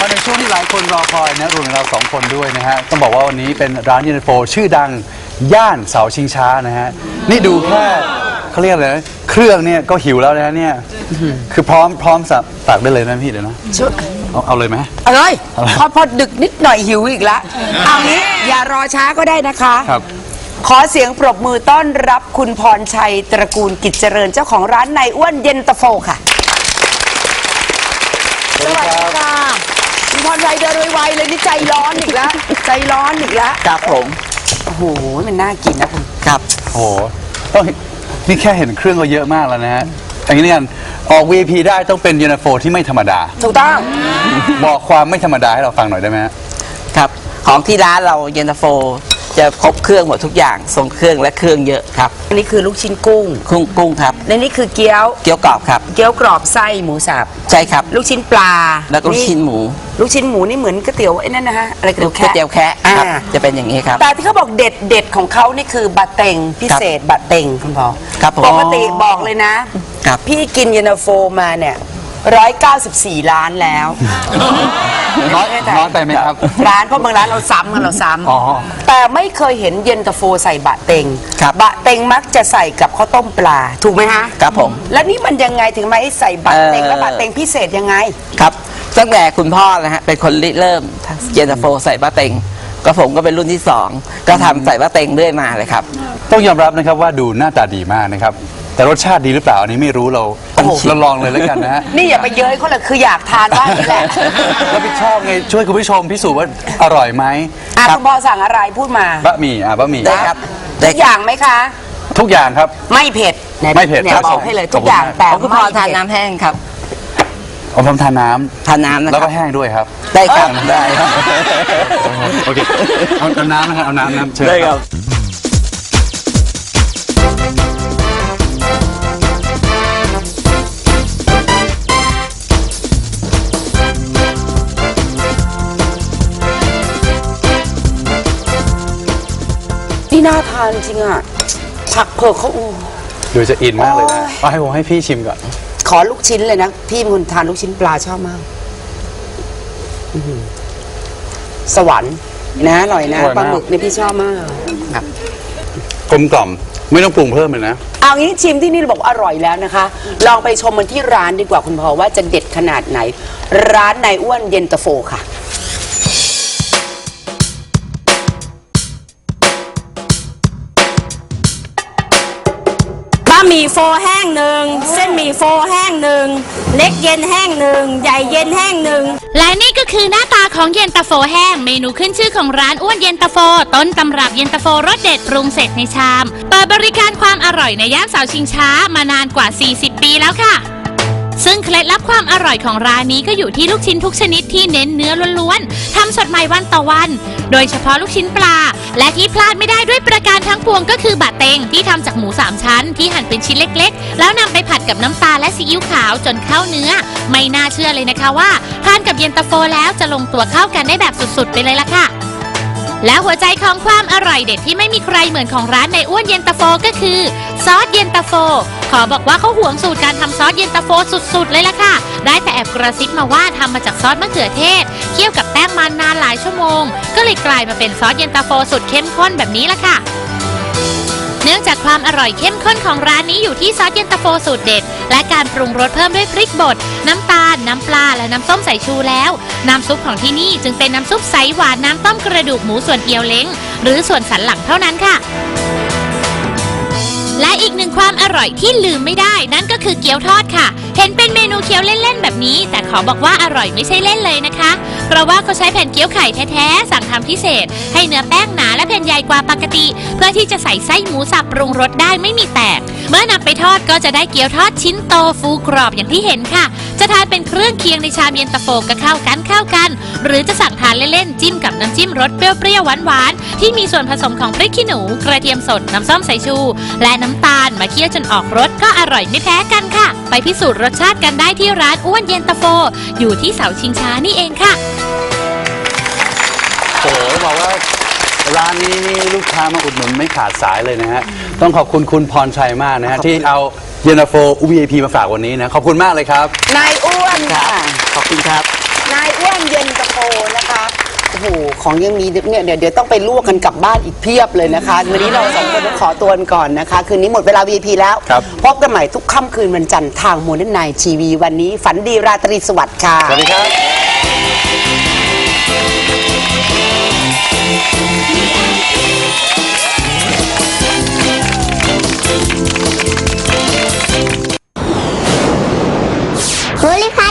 มาในช่วงที่หลายคนรอคอยนะรวมถึงเราสองคนด้วยนะฮะต้องบอกว่าวันนี้เป็นร้านเย็นตาโฟชื่อดังย่านเสาชิงช้านะฮะนี่ดูแค่เขาเรียกอะไรนะเครื่องเนี่ยก็หิวแล้วนะเนี่ยคือพร้อมสับตักได้เลยนะพี่เดี๋ยวนะเอาเลยไหมพอดึกนิดหน่อยหิวอีกแล้วเอางี้อย่ารอช้าก็ได้นะคะครับขอเสียงปรบมือต้อนรับคุณพรชัยตระกูลกิจเจริญเจ้าของร้านนายอ้วนเย็นตาโฟค่ะสวัสดีค่ะคุณพรชัยเดินไวๆเลยนี่ใจร้อนอีกแล้วครับผมโอ้โหมันน่ากินนะคุณครับโอ้โหต้องนี่แค่เห็นเครื่องก็เยอะมากแล้วนะฮะอย่างนี้กันออก VIP ได้ต้องเป็นเย็นตาโฟที่ไม่ธรรมดาถูกต้องบอกความไม่ธรรมดาให้เราฟังหน่อยได้ไหมครับของที่ร้านเราเย็นตาโฟจะครบเครื่องหมดทุกอย่างทรงเครื่องและเครื่องเยอะครับอันนี้คือลูกชิ้นกุ้งครับและนี่คือเกี๊ยวกรอบครับเกี๊ยวกรอบไส้หมูสับใช่ครับลูกชิ้นปลาแล้วก็ลูกชิ้นหมูนี่เหมือนก๋วยเตี๋ยวไอ้นั่นนะฮะอะไรก๋วยเตี๋ยวแคะครับจะเป็นอย่างนี้ครับแต่ที่เขาบอกเด็ดของเขานี่คือบะเต็งพิเศษบะเต็งคุณพ่อครับปกติบอกเลยนะครับพี่กินเย็นตาโฟมาเนี่ย194 ล้านแล้วน้อยไปไหมครับร้านเพราะบางร้านเราซ้ำแต่ไม่เคยเห็นเย็นตาโฟใส่บะเต็งบะเต็งมักจะใส่กับข้าวต้มปลาถูกไหมฮะครับผมแล้วนี่มันยังไงถึงมาให้ใส่บะเต็งและบะเต็งพิเศษยังไงครับตั้งแต่คุณพ่อนะฮะเป็นคนริเริ่มเย็นตาโฟใส่บะเต็งก็ผมก็เป็นรุ่นที่2ก็ทำใส่บะเต็งเรื่อยมาเลยครับต้องยอมรับนะครับว่าดูหน้าตาดีมากนะครับแต่รสชาติดีหรือเปล่าอันนี้ไม่รู้เราลองเลยแล้วกันนะฮะนี่อย่าไปเย้ยเขาเลยคืออยากทานว่านี่แหละรับผิดชอบไงช่วยคุณผู้ชมพิสูจน์ว่าอร่อยไหมคุณพ่อสั่งอะไรพูดมาบะหมี่ได้ครับทุกอย่างไหมคะทุกอย่างครับไม่เผ็ดครับบอกให้เลยทุกอย่างแต่คุณพ่อทานน้ำแห้งครับผมทานน้ำนะแล้วก็แห้งด้วยครับได้ครับได้ครับโอเคเอาน้ำนะครับเอาน้ำเชิญได้ครับนี่น่าทานจริงอ่ะผักเผือกเขาดูจะอินมากเลยนะให้ผมให้พี่ชิมก่อนขอลูกชิ้นเลยนะพี่เป็นคนทานลูกชิ้นปลาชอบมากสวรรค์นะอร่อยนะปลาหมึกนี่พี่ชอบมากครับกลมกล่อมไม่ต้องปรุงเพิ่มเลยนะเอางี้ชิมที่นี่เราบอกอร่อยแล้วนะคะลองไปชมมันที่ร้านดีกว่าคุณพ่อว่าจะเด็ดขนาดไหนร้านนายอ้วนเย็นตาโฟค่ะหมี่โฟแห้ง1เส้นหมี่โฟแห้ง1เล็กเย็นแห้ง1ใหญ่เย็นแห้ง1 และนี่ก็คือหน้าตาของเย็นตาโฟแห้งเมนูขึ้นชื่อของร้านอ้วนเย็นตาโฟต้นตำรับเย็นตาโฟรสเด็ดปรุงเสร็จในชามเปิดบริการความอร่อยในย่านเสาชิงช้ามานานกว่า40 ปีแล้วค่ะซึ่งเคล็ดลับความอร่อยของร้านนี้ก็อยู่ที่ลูกชิ้นทุกชนิดที่เน้นเนื้อล้วนๆทำสดใหม่วันต่อวันโดยเฉพาะลูกชิ้นปลาและที่พลาดไม่ได้ด้วยประการทั้งปวงก็คือบะเต็งที่ทำจากหมู3ชั้นที่หั่นเป็นชิ้นเล็กๆแล้วนำไปผัดกับน้ำตาลและซีอิ๊วขาวจนเข้าเนื้อไม่น่าเชื่อเลยนะคะว่าทานกับเย็นตาโฟแล้วจะลงตัวเข้ากันได้แบบสุดๆไปเลยล่ะค่ะและหัวใจของความอร่อยเด็ดที่ไม่มีใครเหมือนของร้านในอ้วนเย็นตาโฟก็คือซอสเย็นตาโฟขอบอกว่าเขาหวงสูตรการทำซอสเย็นตาโฟสุดๆเลยล่ะค่ะได้แต่แอบกระซิบมาว่าทำมาจากซอสมะเขือเทศเคี่ยวกับแป้งมันนานหลายชั่วโมงก็เลยกลายมาเป็นซอสเย็นตาโฟสุดเข้มข้นแบบนี้ล่ะค่ะเนื่องจากความอร่อยเข้มข้นของร้านนี้อยู่ที่ซอสเย็นตาโฟสูตรเด็ดและการปรุงรสเพิ่มด้วยพริกบดน้ำตาลน้ำปลาและน้ำส้มสายชูแล้วน้ำซุปของที่นี่จึงเป็นน้ำซุปใสหวานน้ำต้มกระดูกหมูส่วนเอียวเล้งหรือส่วนสันหลังเท่านั้นค่ะและอีกหนึ่งความอร่อยที่ลืมไม่ได้นั่นก็คือเกี๊ยวทอดค่ะเห็นเป็นเมนูเคี้ยวเล่นๆแบบนี้แต่ขอบอกว่าอร่อยไม่ใช่เล่นเลยนะคะเพราะว่าเขาใช้แผ่นเกี๊ยวไข่แท้ๆสั่งทำพิเศษให้เนื้อแป้งหนาและแผ่นใหญ่กว่าปกติเพื่อที่จะใส่ไส้หมูสับปรุงรสได้ไม่มีแตกเมื่อนำไปทอดก็จะได้เกี๊ยวทอดชิ้นโตฟูกรอบอย่างที่เห็นค่ะจะทานเป็นเครื่องเคียงในชามเย็นตาโฟก็เข้ากันหรือจะสั่งทานเล่นๆจิ้มกับน้ำจิ้มรสเปรี้ยวๆหวานๆที่มีส่วนผสมของพริกขี้หนูกระเทียมสดน้ำส้มสายชูและน้ำตาลมาเคี่ยวจนออกรสก็อร่อยไม่แพ้กันค่ะไปพิสูจน์รสชาติกันได้ที่ร้านอ้วนเย็นตาโฟอยู่ที่เสาชิงช้านี่เองค่ะโอ้โหบอกว่าร้านนี้นี่ลูกค้ามาอุดหนุนไม่ขาดสายเลยนะฮะต้องขอบคุณคุณพรชัยมากนะฮะที่เอาเย็นตาโฟ VIP มาฝากวันนี้นะขอบคุณมากเลยครับนายอ้วนค่ะขอบคุณครับนายอ้วนเย็นตาโฟนะคะโอ้โหของยังมีเนี่ยเดี๋ยวต้องไปลวกกันกลับบ้านอีกเพียบเลยนะคะวันนี้เราสองคนต้องขอตัวกันก่อนนะคะคืนนี้หมดเวลา VIP แล้วพบกันใหม่ทุกค่ำคืนวันจันทร์ทางมูลนิธิทีวีวันนี้ฝันดีราตรีสวัสดิ์ค่ะสวัสดีครับโพลิพ